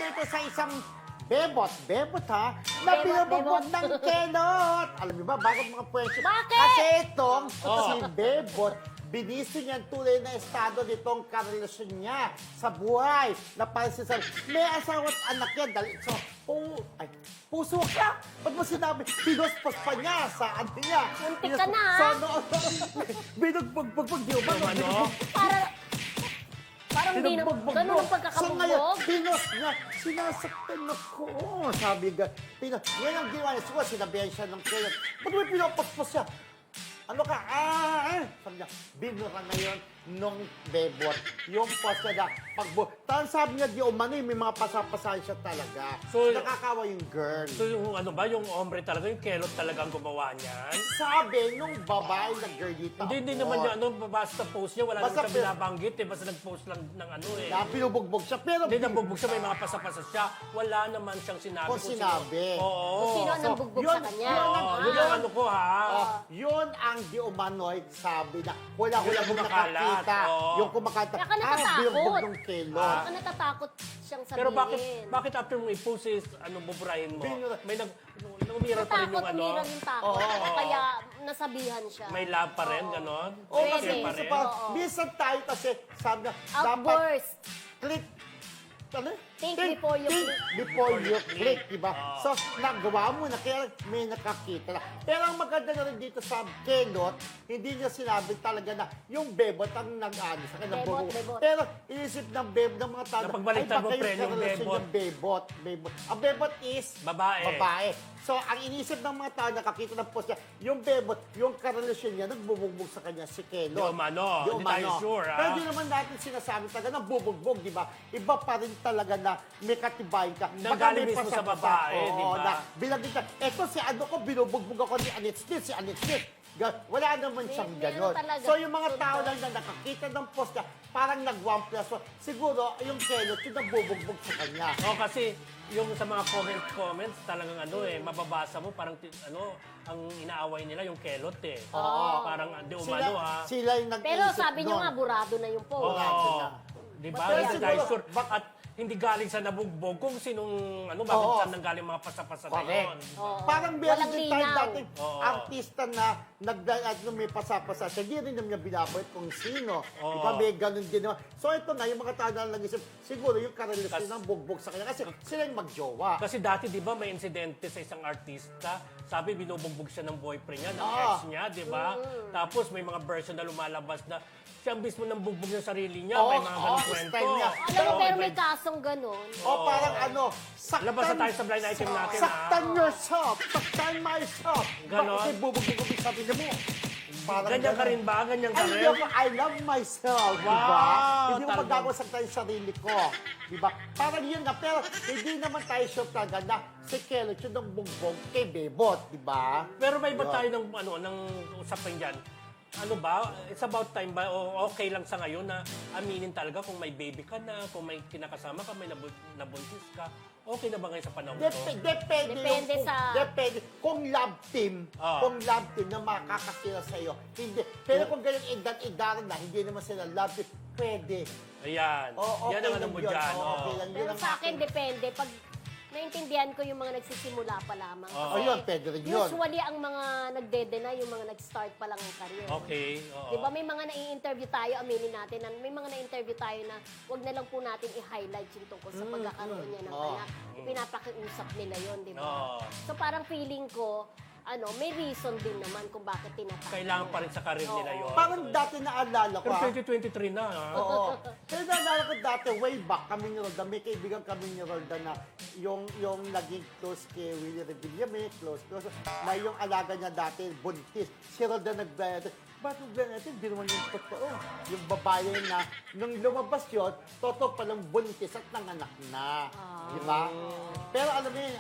ito sa isang bebot ha, na Bebot, binubugbog bebot. ng kelot. Alam niyo ba, bakit mga pwensyo? Bakit? Kasi itong si Bebot, binisi niya ang tunay na estado nitong karelasyon niya sa buhay. Na parang sinasabi, may asawa at anak yan. Dahil so, puso ka? Ba't mo sinabi? Pinuspos pa niya sa ano niya. Muntik ka na, So, ha? binugbog, di ba? Parang di na, Binugbog ganun mo. ang So ngayon, pagkakabugbog. pinos niya, sinasaktan ako. Sabi nga, yan ang ginawa niya. Siguro, sinabihan siya ng kaya. Ba't may pinapaspos siya? Ano ka? Sabi niya, binura na yun nung Bebot. Yung post niya na Tapos sabi niya, di umano, may mga pasapasahan siya talaga. So, nakakawa yung girl. So yung ano ba, yung hombre talaga, yung kelot talaga ang gumawa niyan? Sabi nung babae na girl dito. Hindi naman yung ano, basta post niya, wala Basta naman siya binabanggit eh, basta nag-post lang ng ano eh. Na pinubugbog siya. Pero Hindi nabugbog siya, may mga pasapasa siya, wala naman siyang sinabi. Kung sinabi. Oo. Kung sino ang nambugbog sa kanya. Yun ang ano ko ha. Yun ang di umano'y sabi na hula-hula Yung kung kumakalat, nakakita. oo. Yung kumakanta. Kaya ka natatakot. Binugbog ng kelot. Baka natatakot siyang sabihin. Pero bakit after mo i-post is, ano, buburahin mo? Binura- May umiral pa rin Natakot, yung ano, umiral yung takot. Oo. Kaya nasabihan siya. may love pa rin, gano'n? Oo, Pwede. kasi Share pa minsan rin. pa, Oo. minsan tayo kasi sabi na, dapat Outburst. click. Ano? Think before you think click. before you click, diba? Oo. So, nagawa mo na, kaya may nakakita na. Pero ang maganda na rin dito sa kelot, hindi niya sinabi talaga na yung bebot ang nag-ano sa kanya. Bebot, bebot. Pero inisip ng ng mga tao, Napagbaliktad mo, baka friend, yung karelasyon bebot. yung bebot. Ang bebot is Babae. So, ang inisip ng mga tao, nakakita ng post niya, yung bebot, yung karelasyon niya, nagbubugbog sa kanya si Kelot. Di umano, Di hindi tayo umano. sure, ha? Pero di naman natin sinasabi talaga na bubugbog, di ba? Iba pa rin talaga na may katibayan ka. Nanggaling Baka may mismo sa pasapasa. babae, Oo, di ba? na bilagin ka. Eto si ano ko, binubugbog ako ni Annette Smith, si Annette Smith. Wala naman siyang Meron gano'n. talaga. So yung mga tao Sunod. lang na nakakita ng post niya, parang nag-1 plus 1. Siguro, yung Kelot, yung nagbubugbog sa kanya. O kasi yung sa mga comments talagang ano eh, mababasa mo parang ano, ang inaaway nila yung kelot eh. Oo. Parang di umano ha. Sila yung nag-iisip Pero sabi niyo nun. nga, burado na yung post. Oo. Di ba? Pero Hindi siguro, tayo sure. At hindi galing sa nabugbog kung sinong ano, bakit Oo. saan nanggaling mga pasapasa na Correct. yun. Oo. Parang meron Walang din tayo linaw. dating Oo. artista na may pasapasa siya. Hindi rin naman niya binabait kung sino. Oo. Di ba may ganun din naman. So ito na, yung mga tao na nag-isip, siguro yung karelasyon Kasi- ng bugbog sa kanya. Kasi sila yung magjowa. Kasi dati, di ba, may insidente sa isang artista. Sabi, binubugbog siya ng boyfriend niya, ng Oo. ex niya, di ba? Tapos may mga version na lumalabas na siya mismo nang bugbog ng sarili niya. Oo, May mga ganong oo, kwento. style niya. Alam mo, Oo, pero may iba- kasong ganun. O parang ano, saktan... Labas na tayo sa blind item natin, Saktan ha? yourself. Saktan myself. Ganon. Bakit bubugbog yung sabi niya mo? Parang Ganyan ka ganon. rin ba? Ganyan ka Ay, rin? hindi ako, I love myself, di ba? Wow, Hindi ko talagang- magagawa sa tayo sarili ko, di ba? Parang yun nga, pero hindi naman tayo sure talaga na si Kelot yun ang bugbog kay Bebot, di ba? Pero may iba Yun. tayo ng usapan dyan. Ano ba? It's about time ba? O okay lang sa ngayon na aminin talaga kung may baby ka na, kung may kinakasama ka, may nabuntis ka. Okay na ba ngayon sa panahon to? Depende sa- Depende. Kung love team, Ah. kung love team na makakakila sa'yo, hindi. Pero kung ganyan edad-edaran na, hindi naman sila love team, pwede. Ayan. O, okay Yan ang ano lang mo yun. dyan. O, okay lang yun Pero ang sa akin, akin. depende. Pag naintindihan ko yung mga nagsisimula pa lamang. Oo. O yun, pwede rin yun. Usually, ang mga nagdedena, yung mga nag-start pa lang ang career. Okay. Oo. Di ba may mga nai-interview tayo, aminin natin, na may mga na-interview tayo na wag na lang po natin i-highlight yung tungkol sa pagkakaroon niya ng Oo. anak. Pinapakiusap nila yon, di ba? Oo. So parang feeling ko, may reason din naman kung bakit tinatawag. Kailangan pa rin sa karir nila yun. Parang dati naalala ko, Pero ah. 2023 na. Ha? Oo. Pero naalala ko dati, way back, kami ni Roldan, may kaibigan kami ni Roldan na yung naging close kay Willie Revillame, close, na yung alaga niya dati, buntis. Si Roldan nagbayad. Bakit natin? Hindi naman yung totoo. Yung babae na, nung lumabas yun, totoo palang buntis at nanganak na. Di ba? Pero alam mo yun,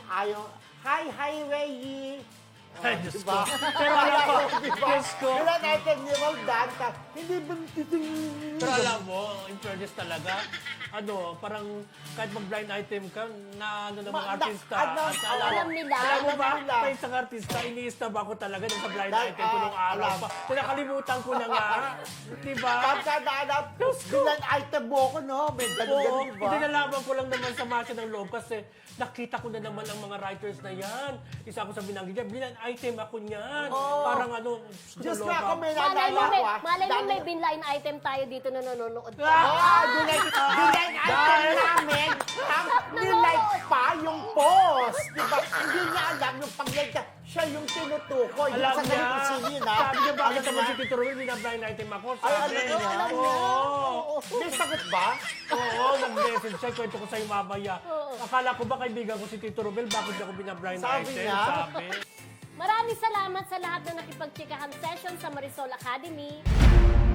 hi, Ray! Ay, Diyos diba? ko. Pero alam ko, diba? Diyos ko. Wala natin ni Roldan, hindi buntis. Pero alam mo, in fairness talaga, parang kahit mag-blind item ka, na ano ng mga Ma- artista. na- at alam nila. Alam mo ba, Alam nila. may isang artista, iniistab ako talaga nung sa blind Dahil, item ko nung araw alam. pa. Nakalimutan ko na nga. Di ba? Pagka naanap, bilang item mo ko, no? May Oo, ganun-ganun, di ba? hindi nalaman ko lang naman sa masa ng loob kasi nakita ko na naman ang mga writers na yan. Isa ako sa binanggit niya, blind item ako niyan. Oo. Parang Diyos naloka. nga ako, may Malay mo, naalala ko, ah. malay mo Dahil- may binline item tayo dito na nanonood. Ah, bilang item namin, nilike pa yung post. Diba? Hindi niya alam yung pag-like niya. Siya yung tinutukoy. Alam Yung sa niya. ganito sino yun, ha? Sabi niya, bakit Alam naman niya? si Tito Ruel, binablind item ako? Ay, Sabi alam niya. niya. Alam niya. Oo. May sagot ba? Oo, nag-message siya. Kwento ko sa'yo mamaya. Akala ko ba kaibigan ko si Tito Ruel, bakit niya ako binablind Sabi item? niya. Sabi. Maraming salamat sa lahat na nakipagtsikahan session sa Marisol Academy.